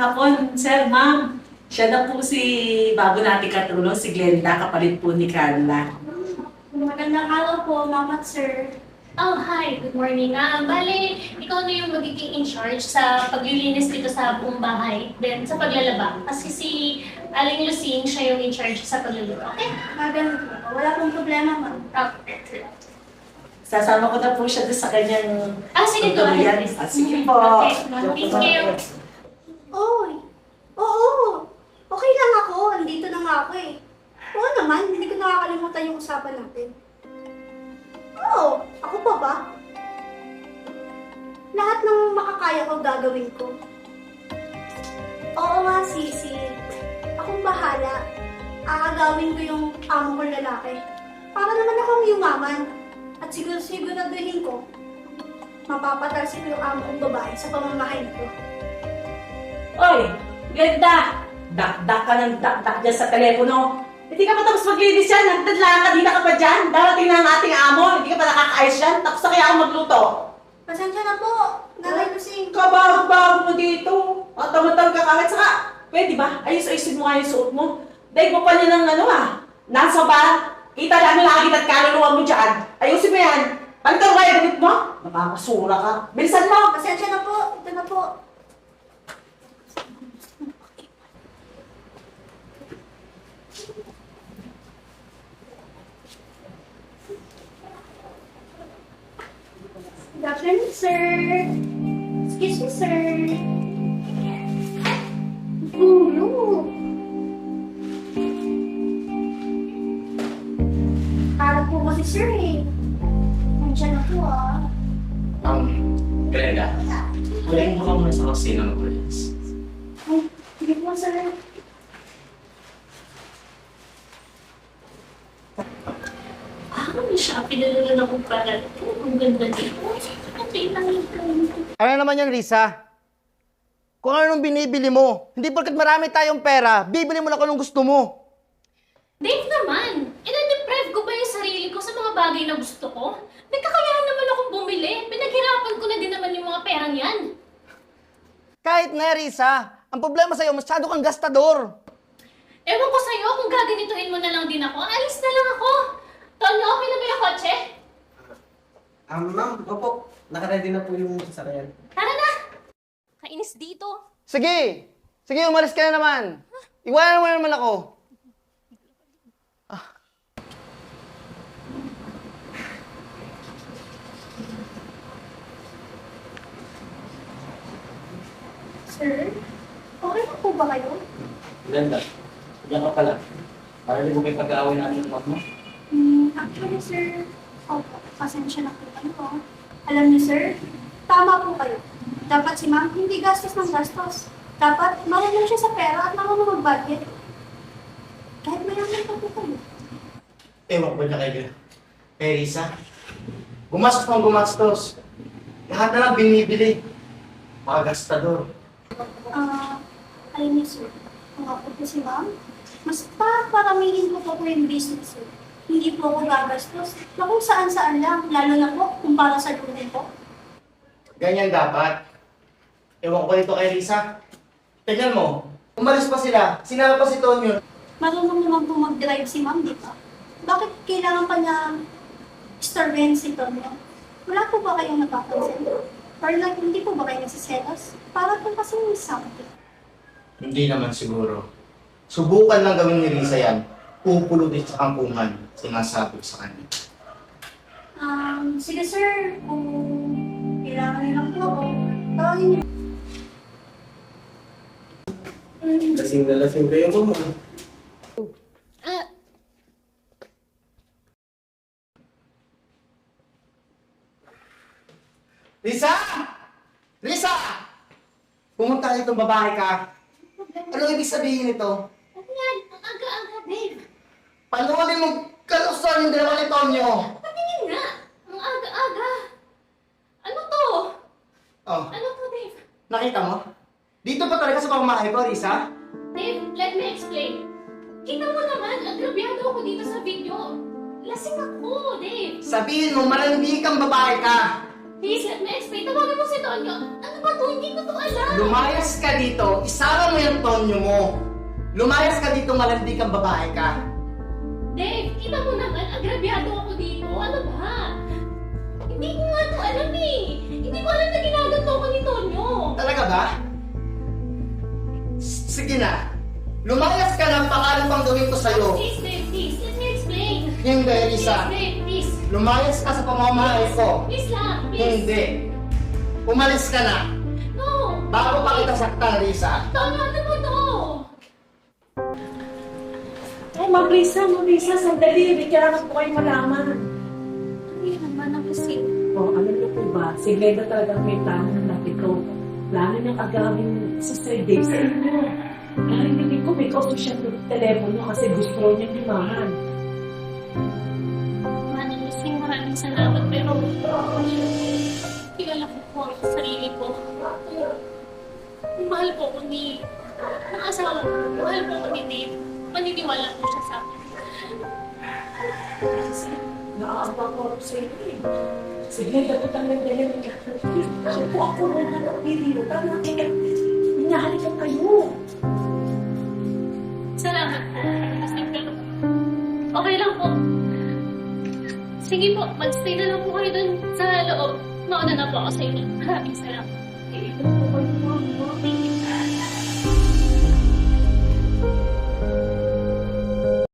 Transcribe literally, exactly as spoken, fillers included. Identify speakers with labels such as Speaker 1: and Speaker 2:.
Speaker 1: hapon, sir, ma'am. Siya na po si bago nating katulong, si Glenda, kapalit po ni Carla.
Speaker 2: Magandang araw po, ma'am at sir.
Speaker 3: Oh, hi. Good morning. Ah, bale, ikaw na yung magiging in charge sa paglilinis dito sa buong bahay. Then, sa paglalaba. Kasi si Aling Lucing, siya yung in charge sa pagluluto. Okay?
Speaker 2: Magandang po. Wala pong problema, ma'am.
Speaker 3: Okay.
Speaker 1: Sasama ko na po siya doon sa kanyang
Speaker 3: Ah, sige, go
Speaker 1: tutuloyan.
Speaker 3: ahead.
Speaker 1: Ah, sige po.
Speaker 3: Okay. Thank you.
Speaker 2: Oy! Oo! Okay lang ako. Andito na nga ako eh. Oo naman, hindi ko nakakalimutan yung usapan natin. Oo! Ako pa ba? Lahat ng makakaya ko gagawin ko. Oo nga, Sisi. Akong bahala. Aagawin ko yung amo kong lalaki. Para naman akong yumaman. At siguro siguraduhin ko, mapapatalsin ko yung amo kong babae sa pamamahay nito.
Speaker 1: Oy, Glenda! Dak-dak ka ng dak-dak dyan sa telepono. Hindi ka pa tapos maglinis yan. Nagdadlaan ka, di na ka pa dyan. Darating na ang ating amo. Hindi ka pa nakakaayos yan. Tapos na kaya ako magluto.
Speaker 2: Pasensya na po, Nanay Lucing.
Speaker 1: Kabago-bago mo dito. At tamatang ka kahit saka. Pwede ba? Ayos-ayosin mo nga yung suot mo. Dahil mo pa niya ng ano ah. Nasa ba? Kita lang ang lagi at kaluluwa mo dyan. Ayusin mo yan. Palitan mo kaya gamit mo. Nakakasura ka. Bilisan mo.
Speaker 2: Pasensya na po, ito na po. Good afternoon, sir. Excuse me, sir. Gulo. Harap po kasi, sir, eh. Nandiyan na po, ah.
Speaker 4: Um, Glenda, huling mo ka muna sa kusina ng police.
Speaker 2: Ay, hindi po, sir.
Speaker 3: Ah, may Shopee na naman ako para ito. Ang ganda dito. Okay lang yung plan.
Speaker 5: Ano naman yan, Risa? Kung anong binibili mo, hindi porkat marami tayong pera, bibili mo na kung anong gusto mo.
Speaker 3: Dave naman, ina-deprive ko ba yung sarili ko sa mga bagay na gusto ko? May kakayahan naman akong bumili. Pinaghirapan ko na din naman yung mga perang yan.
Speaker 5: Kahit na, Risa, ang problema sa'yo, masyado kang gastador.
Speaker 3: Ewan ko sa'yo, kung gaganituhin mo na lang din ako, alis na lang ako. Tonyo, okay na ba yung kotse?
Speaker 6: Um, ma'am, opo. Nakaready na po yung sasakyan.
Speaker 3: Tara na! Kainis dito.
Speaker 5: Sige! Sige, umalis ka na naman. Iwanan mo na naman ako.
Speaker 2: Sir, okay na po ba kayo?
Speaker 4: Glenda, diyan ka pala. Para hindi mo may pag-aaway natin ng mo.
Speaker 2: Hmm, actually, sir, opo, pasensya na po kayo. ah. Alam niyo, sir, tama po kayo. Dapat si ma'am hindi gastos ng gastos. Dapat marunong siya sa pera at marunong mag-budget. Kahit mayaman pa po kayo.
Speaker 5: Ewan ko na kay, kay Risa. Gumastos ng gumastos. Lahat na lang binibili. Mga gastador.
Speaker 2: Ah, alam niyo, sir, kung ako po si ma'am, mas paparamihin ko po po yung business, sir. Hindi po ako gagastos na kung saan-saan lang, lalo na po kung para sa lunin po.
Speaker 5: Ganyan dapat. Ewan ko dito kay Risa. Tignan mo, umalis pa sila. Sinama pa si Tonyo.
Speaker 2: Marunong naman po mag-drive si ma'am, di ba? Bakit kailangan pa niya istorben si Tonyo? Wala po ba kayong napapansin? Or like, hindi po ba kayo nagsiselos? Para po kasi may something.
Speaker 5: Hindi naman siguro. Subukan lang gawin ni Risa yan. Pupulutin sa kampungan. Sinasabi ko sa kanya.
Speaker 2: Um, sige sir, kung kailangan niyo lang po ako, tawagin niyo.
Speaker 6: Lasing na lasing kayo, ma'am.
Speaker 3: Ah,
Speaker 5: Risa! Risa! Pumunta ka itong babae ka. Ano ibig sabihin nito?
Speaker 3: ano yan? Ang aga-aga, Dave.
Speaker 5: Panuulin mong kalusuan yung dalawa ni Tonyo.
Speaker 3: Patingin nga. Ang aga-aga. Ano to?
Speaker 5: Oh,
Speaker 3: Ano to, Dave?
Speaker 5: nakita mo? Dito pa talaga sa pamamahay ko, Risa?
Speaker 3: Dave, let me explain. Kita mo naman, agrabyado ako dito sa video. Lasing ako, Dave.
Speaker 5: Sabihin mo, malandi kang babae ka.
Speaker 3: Please, let me explain. Tawagan mo si Tonyo. Ano ba to? Hindi ko to alam.
Speaker 5: Lumayas ka dito, isama mo yung tonyo mo. Lumayas ka dito, malandi kang babae ka.
Speaker 3: Dave, kita mo naman, agrabyado ako dito. Ano ba? Hindi ko nga to alam eh. Hindi ko alam na ginaganto ko ni Tonyo.
Speaker 5: Talaga ba? S- Sige na. Lumayas ka na, pangalan pang gawin ko sa'yo.
Speaker 3: Please, Dave, please. Let me explain.
Speaker 5: Hindi,
Speaker 3: Please,
Speaker 5: Risa.
Speaker 3: Dave, please.
Speaker 5: Lumayas ka sa pamamahay ko.
Speaker 3: Please lang, please.
Speaker 5: Hindi. Umalis ka na.
Speaker 3: No.
Speaker 5: Bago pa kita saktan, Risa.
Speaker 3: Tonyo, ano ba to?
Speaker 1: Ay, Ma'am Risa, Ma'am Risa, sandali. May kailangan po kayong malaman.
Speaker 2: Ano yun naman ang kasi?
Speaker 1: O, alam niyo po ba, si Glenda talagang may plano ng lapito. Plano niyang agawin si Sir Dave sa inyo. Narinig ko, may kausap siya ng telepono kasi gusto raw niyang limahan.
Speaker 3: Manang Lusing, maraming salamat. Pero, kilala ko po ang sarili ko. Kung mahal po ko ni... ng asawa ko, mahal po ko ni Dave. Maniniwala po siya sa akin.
Speaker 1: Kasi naaambang ko rin sa inyo eh. Si Glenda po talagang dahil ng siya po ako nung hanap video. Parang nakikita, hinahalikan kayo.
Speaker 3: Salamat po. Kasi pero, okay lang po. Sige po, mag-stay na lang po kayo dun sa loob. Mauna na po ako sa inyo. Maraming salamat.
Speaker 1: Eh, ito po kayo, ma'am.
Speaker 3: Thank you.